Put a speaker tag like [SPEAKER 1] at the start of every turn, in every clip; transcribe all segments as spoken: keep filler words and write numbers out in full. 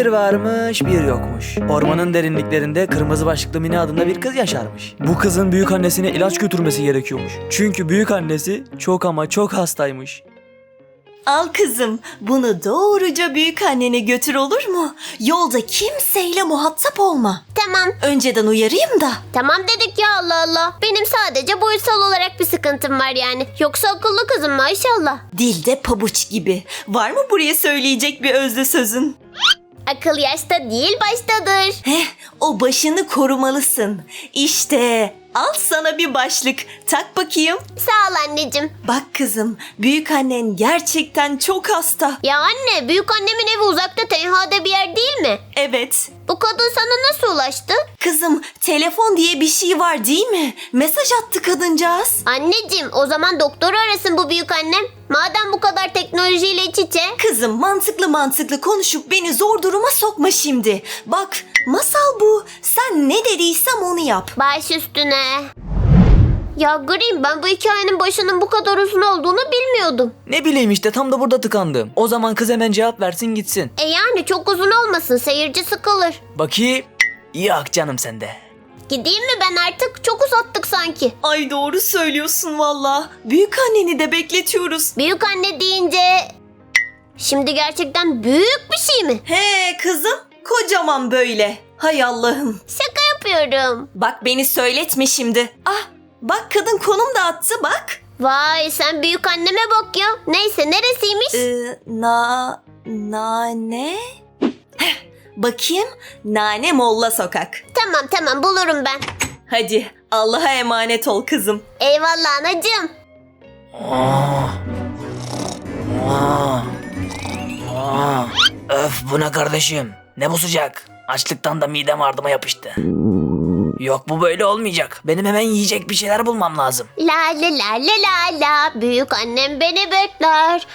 [SPEAKER 1] Bir varmış bir yokmuş. Ormanın derinliklerinde kırmızı başlıklı Mine adında bir kız yaşarmış. Bu kızın büyük annesine ilaç götürmesi gerekiyormuş. Çünkü büyük annesi çok ama çok hastaymış.
[SPEAKER 2] Al kızım, bunu doğruca büyük annene götür, olur mu? Yolda kimseyle muhatap olma.
[SPEAKER 3] Tamam.
[SPEAKER 2] Önceden uyarayım da.
[SPEAKER 3] Tamam dedik ya, Allah Allah. Benim sadece boyutsal olarak bir sıkıntım var yani. Yoksa akıllı kızım maşallah.
[SPEAKER 2] Dilde pabuç gibi. Var mı buraya söyleyecek bir özlü sözün?
[SPEAKER 3] Akıl yaşta değil baştadır.
[SPEAKER 2] Heh, o başını korumalısın. İşte al sana bir başlık. Tak bakayım.
[SPEAKER 3] Sağ ol anneciğim.
[SPEAKER 2] Bak kızım, büyük annen gerçekten çok hasta.
[SPEAKER 3] Ya anne, büyük annemin evi uzakta tenhada bir yer değil mi?
[SPEAKER 2] Evet.
[SPEAKER 3] Bu kadın sana nasıl ulaştı?
[SPEAKER 2] Kızım, telefon diye bir şey var değil mi? Mesaj attı kadıncağız.
[SPEAKER 3] Anneciğim, o zaman doktoru arasın bu büyük annem. Madem bu kadar teknolojiyle iç içe.
[SPEAKER 2] Kızım, mantıklı mantıklı konuşup beni zor duruma sokma şimdi. Bak, masal bu. Sen ne dediysem onu yap.
[SPEAKER 3] Baş üstüne. Ya Green, ben bu hikayenin başının bu kadar uzun olduğunu bilmiyordum.
[SPEAKER 1] Ne bileyim işte, tam da burada tıkandım. O zaman kız hemen cevap versin gitsin.
[SPEAKER 3] E yani çok uzun olmasın, seyirci sıkılır.
[SPEAKER 1] Bakayım. Yok canım sende.
[SPEAKER 3] Gideyim mi ben artık? Çok uzattık sanki.
[SPEAKER 2] Ay doğru söylüyorsun valla. Büyük anneni de bekletiyoruz.
[SPEAKER 3] Büyük anne deyince... Şimdi gerçekten büyük bir şey mi?
[SPEAKER 2] He kızım, kocaman böyle. Hay Allah'ım.
[SPEAKER 3] Şaka yapıyorum.
[SPEAKER 2] Bak beni söyletme şimdi. Ah, bak kadın konum da attı bak.
[SPEAKER 3] Vay, sen büyük anneme bak ya. Neyse, neresiymiş?
[SPEAKER 2] Ee, na... Nane... Heh, bakayım. Nane Molla Sokak.
[SPEAKER 3] Tamam tamam, bulurum ben.
[SPEAKER 2] Hadi Allah'a emanet ol kızım.
[SPEAKER 3] Eyvallah anacığım.
[SPEAKER 1] Aa. Aa. Aa. Öf, bu ne kardeşim? Ne bu sıcak? Açlıktan da midem ardıma yapıştı. Yok, bu böyle olmayacak. Benim hemen yiyecek bir şeyler bulmam lazım.
[SPEAKER 3] La la la la la la. Büyük annem beni bekler.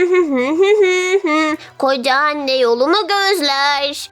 [SPEAKER 3] Koca anne yolumu gözler.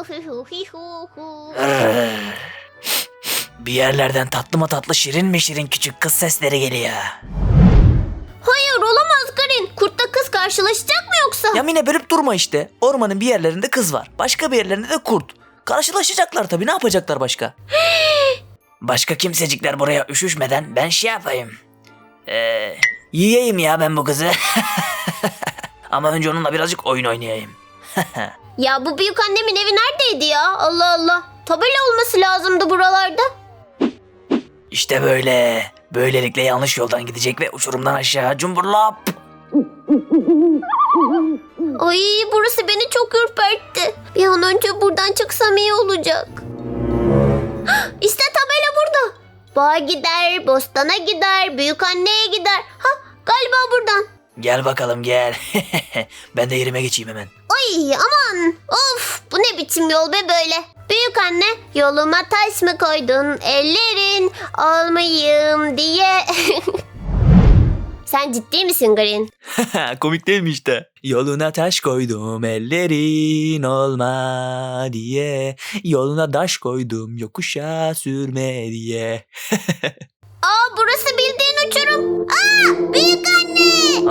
[SPEAKER 1] Bir yerlerden tatlı mı tatlı, şirin mi şirin küçük kız sesleri geliyor.
[SPEAKER 3] Hayır, olamaz Green. Kurtla kız karşılaşacak mı yoksa?
[SPEAKER 1] Ya Mine, bölüp durma işte. Ormanın bir yerlerinde kız var. Başka bir yerlerinde de kurt. Karşılaşacaklar tabii, ne yapacaklar başka? Başka kimsecikler buraya üşüşmeden ben şey yapayım. Ee, yiyeyim ya ben bu kızı. Ama önce onunla birazcık oyun oynayayım.
[SPEAKER 3] Ya bu büyük annemin evi neredeydi ya? Allah Allah. Tabela olması lazımdı buralarda.
[SPEAKER 1] İşte böyle. Böylelikle yanlış yoldan gidecek ve uçurumdan aşağı cumburlap.
[SPEAKER 3] Ay, burası beni çok ürpertti. Bir an önce buradan çıksam iyi olacak. İşte tabela burada. Bağa gider, bostana gider, büyük anneye gider. Ha, galiba buradan.
[SPEAKER 1] Gel bakalım gel. Ben de yerime geçeyim hemen.
[SPEAKER 3] Ay aman, of, bu ne biçim yol be böyle. Büyük anne, yoluma taş mı koydun ellerin olmayayım diye. Sen ciddi misin Green?
[SPEAKER 1] Komik değil mi işte? Yoluna taş koydum ellerin olma diye. Yoluna taş koydum yokuşa sürme diye.
[SPEAKER 3] Aa, burası bildiğin uçurum. Aa, büyük anne.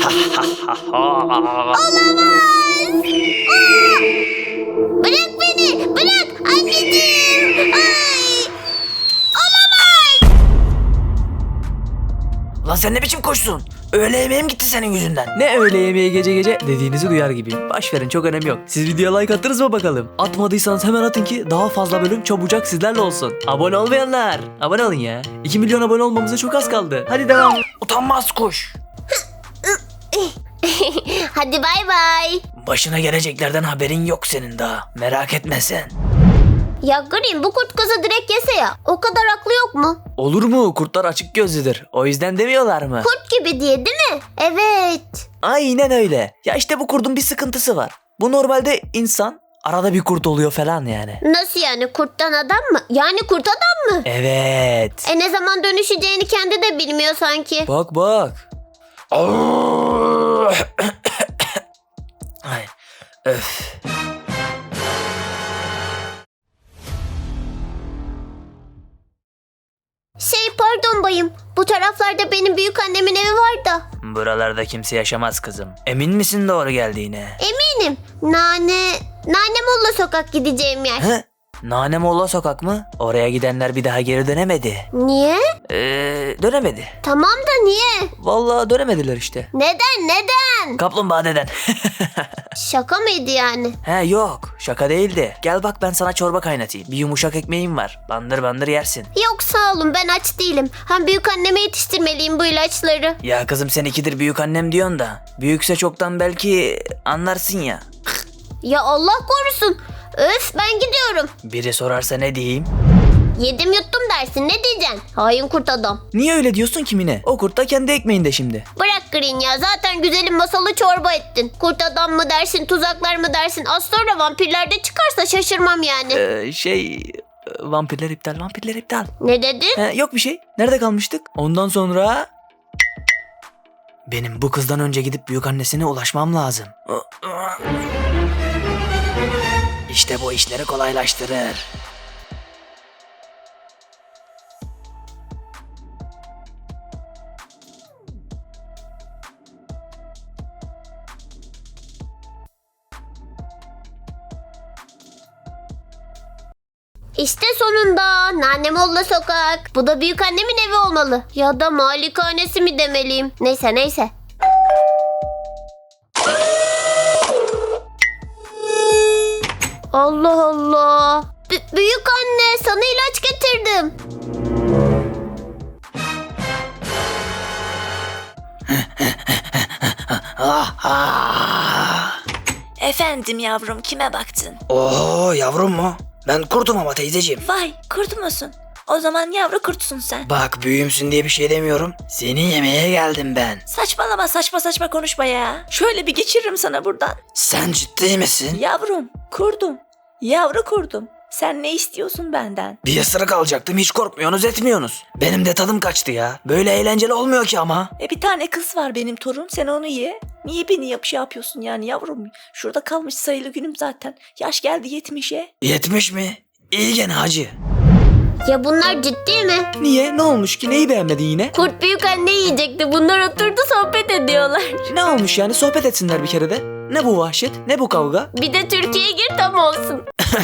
[SPEAKER 3] Olamaz. Aa, bırak beni, bırak anneciğim. Ay, olamaz.
[SPEAKER 1] Lan sen ne biçim koşsun? Öğle yemeğim gitti senin yüzünden. Ne öğle yemeği gece gece dediğinizi duyar gibiyim. Baş verin, çok önemi yok. Siz videoya like attınız mı bakalım? Atmadıysanız hemen atın ki daha fazla bölüm çabucak sizlerle olsun. Abone olmayanlar abone olun ya. iki milyon abone olmamıza çok az kaldı. Hadi devam. Utanmaz kuş.
[SPEAKER 3] Hadi bay bay.
[SPEAKER 1] Başına geleceklerden haberin yok senin daha. Merak etme sen.
[SPEAKER 3] Ya Green, bu kurt kızı direkt yese ya. O kadar aklı yok mu?
[SPEAKER 1] Olur mu? Kurtlar açık gözlüdür. O yüzden demiyorlar mı?
[SPEAKER 3] Kurt gibi diye değil mi? Evet.
[SPEAKER 1] Aynen öyle. Ya işte bu kurdun bir sıkıntısı var. Bu normalde insan, arada bir kurt oluyor falan yani.
[SPEAKER 3] Nasıl yani, kurttan adam mı? Yani kurt adam mı?
[SPEAKER 1] Evet.
[SPEAKER 3] E ne zaman dönüşeceğini kendi de bilmiyor sanki.
[SPEAKER 1] Bak bak. Ay, öf.
[SPEAKER 3] Şey, pardon bayım. Bu taraflarda benim büyük annemin evi var da.
[SPEAKER 1] Buralarda kimse yaşamaz kızım. Emin misin doğru geldiğine?
[SPEAKER 3] Eminim. Nane... Nanemolla sokak gideceğim yer.
[SPEAKER 1] He? Nanemolla sokak mı? Oraya gidenler bir daha geri dönemedi.
[SPEAKER 3] Niye?
[SPEAKER 1] Ee, dönemedi.
[SPEAKER 3] Tamam da niye?
[SPEAKER 1] Vallahi dönemediler işte.
[SPEAKER 3] Neden neden?
[SPEAKER 1] Kaplumbağa deden.
[SPEAKER 3] Şaka mıydı yani?
[SPEAKER 1] He yok, şaka değildi. Gel bak ben sana çorba kaynatayım. Bir yumuşak ekmeğim var. Bandır bandır yersin.
[SPEAKER 3] Yok sağ olun, ben aç değilim. Hem büyük anneme yetiştirmeliyim bu ilaçları.
[SPEAKER 1] Ya kızım sen ikidir büyük annem diyorsun da. Büyükse çoktan belki anlarsın ya.
[SPEAKER 3] Ya Allah korusun. Öf, ben gidiyorum.
[SPEAKER 1] Biri sorarsa ne diyeyim?
[SPEAKER 3] Yedim yuttum dersin, ne diyeceksin? Hain kurt adam.
[SPEAKER 1] Niye öyle diyorsun kimine? O kurt da kendi ekmeğinde şimdi.
[SPEAKER 3] Bırak Green ya, zaten güzelim masalı çorba ettin. Kurt adam mı dersin, tuzaklar mı dersin? Az sonra vampirler de çıkarsa şaşırmam yani.
[SPEAKER 1] Ee, şey... Vampirler iptal, vampirler iptal.
[SPEAKER 3] Ne dedin?
[SPEAKER 1] He, yok bir şey. Nerede kalmıştık? Ondan sonra... Benim bu kızdan önce gidip büyük annesine ulaşmam lazım. İşte bu işleri kolaylaştırır.
[SPEAKER 3] İşte sonunda Nanemolla sokak. Bu da büyük annemin evi olmalı. Ya da malikanesi mi demeliyim? Neyse neyse. Allah Allah. B- büyük anne, sana ilaç getirdim.
[SPEAKER 4] Efendim yavrum, kime baktın?
[SPEAKER 1] Oo yavrum mu? Ben kurtum ama teyzeciğim.
[SPEAKER 4] Vay, kurt musun? O zaman yavru kurtsun sen.
[SPEAKER 1] Bak büyüğümsün diye bir şey demiyorum. Seni yemeye geldim ben.
[SPEAKER 4] Saçmalama, saçma saçma konuşma ya. Şöyle bir geçiririm sana buradan.
[SPEAKER 1] Sen ciddi misin?
[SPEAKER 4] Yavrum, kurdum. Yavru kurdum. Sen ne istiyorsun benden?
[SPEAKER 1] Bir ısırık alacaktım, hiç korkmuyorsunuz etmiyorsunuz. Benim de tadım kaçtı ya. Böyle eğlenceli olmuyor ki ama.
[SPEAKER 4] E bir tane kız var benim torun, sen onu ye. Niye beni yap şey yapıyorsun yani yavrum? Şurada kalmış sayılı günüm zaten. Yaş geldi yetmişe.
[SPEAKER 1] Yetmiş mi? İyi gene hacı.
[SPEAKER 3] Ya bunlar ciddi mi?
[SPEAKER 1] Niye? Ne olmuş ki? Neyi beğenmedin yine?
[SPEAKER 3] Kurt büyük anne yiyecekti. Bunlar oturdu sohbet ediyorlar.
[SPEAKER 1] Ne olmuş yani? Sohbet etsinler bir kere de. Ne bu vahşet? Ne bu kavga?
[SPEAKER 3] Bir de Türkiye'ye gir tam olsun.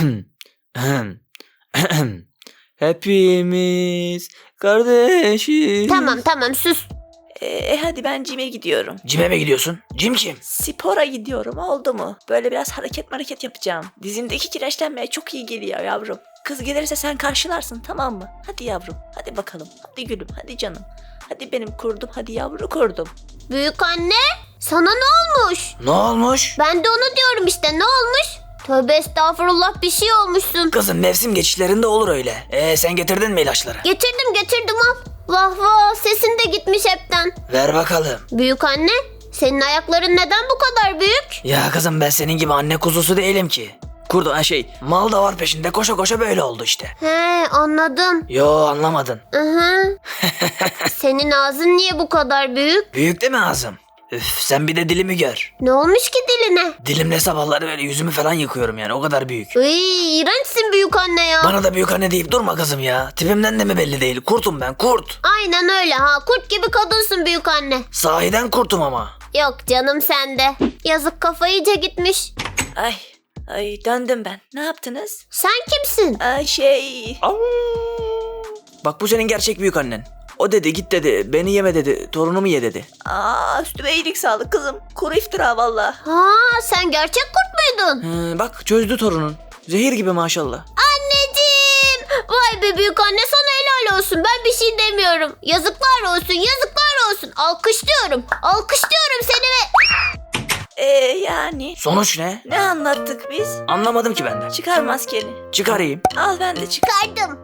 [SPEAKER 1] Hepimiz kardeşiz.
[SPEAKER 3] Tamam tamam sus.
[SPEAKER 4] E, e hadi ben cime gidiyorum.
[SPEAKER 1] Cime mi gidiyorsun? Cim kim?
[SPEAKER 4] Spora gidiyorum, oldu mu? Böyle biraz hareket hareket yapacağım. Dizimdeki kireçlenmeye çok iyi geliyor yavrum. Kız gelirse sen karşılarsın, tamam mı? Hadi yavrum, hadi bakalım. Hadi gülüm, hadi canım. Hadi benim kurdum, hadi yavru kurdum.
[SPEAKER 3] Büyük anne, sana ne olmuş?
[SPEAKER 1] Ne olmuş?
[SPEAKER 3] Ben de onu diyorum işte, ne olmuş? Tövbe estağfurullah, bir şey olmuşsun.
[SPEAKER 1] Kızım mevsim geçişlerinde olur öyle. Ee sen getirdin mi ilaçları?
[SPEAKER 3] Getirdim getirdim al. Vah vah, sesin de gitmiş hepten.
[SPEAKER 1] Ver bakalım.
[SPEAKER 3] Büyük anne, senin ayakların neden bu kadar büyük?
[SPEAKER 1] Ya kızım ben senin gibi anne kuzusu değilim ki. Kurdu ha şey mal da var peşinde koşa koşa böyle oldu işte.
[SPEAKER 3] He, anladım.
[SPEAKER 1] Yo anlamadın.
[SPEAKER 3] Hı hı. Senin ağzın niye bu kadar büyük?
[SPEAKER 1] Büyük değil mi ağzım? Üf sen bir de dilimi gör.
[SPEAKER 3] Ne olmuş ki diline?
[SPEAKER 1] Dilimle sabahları böyle yüzümü falan yıkıyorum yani o kadar büyük.
[SPEAKER 3] Iy, iğrençsin büyük anne ya.
[SPEAKER 1] Bana da büyük anne deyip durma kızım ya. Tipimden de mi belli değil? Kurtum ben kurt.
[SPEAKER 3] Aynen öyle ha, kurt gibi kadınsın büyük anne.
[SPEAKER 1] Sahiden kurtum ama.
[SPEAKER 3] Yok canım, sende. Yazık, kafa iyice gitmiş.
[SPEAKER 4] Ay, ay döndüm ben. Ne yaptınız?
[SPEAKER 3] Sen kimsin?
[SPEAKER 4] Ay şey...
[SPEAKER 1] Bak bu senin gerçek büyük annen. O dedi git dedi beni yeme dedi torunumu ye dedi.
[SPEAKER 4] Aa, üstüme iyilik sağlık kızım. Kuru iftira valla.
[SPEAKER 3] Ha, sen gerçek kurt muydun?
[SPEAKER 1] Hı, bak çözdü torunun. Zehir gibi maşallah.
[SPEAKER 3] Anneciğim! Vay be büyük anne, sana helal olsun. Ben bir şey demiyorum. Yazıklar olsun, yazıklar olsun. Alkışlıyorum, alkışlıyorum seni ve...
[SPEAKER 4] Ee yani...
[SPEAKER 1] Sonuç ne?
[SPEAKER 4] Ne anlattık biz?
[SPEAKER 1] Anlamadım ki ben de.
[SPEAKER 4] Çıkar maskeni.
[SPEAKER 1] Çıkarayım.
[SPEAKER 4] Al ben de çık.
[SPEAKER 3] Çıkardım.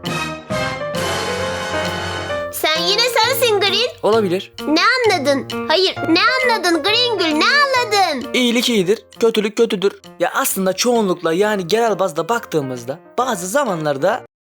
[SPEAKER 3] Sen yine sensin Green.
[SPEAKER 1] Olabilir.
[SPEAKER 3] Ne anladın? Hayır, ne anladın Green Gül, ne anladın?
[SPEAKER 1] İyilik iyidir, kötülük kötüdür. Ya aslında çoğunlukla yani genel bazda baktığımızda bazı zamanlarda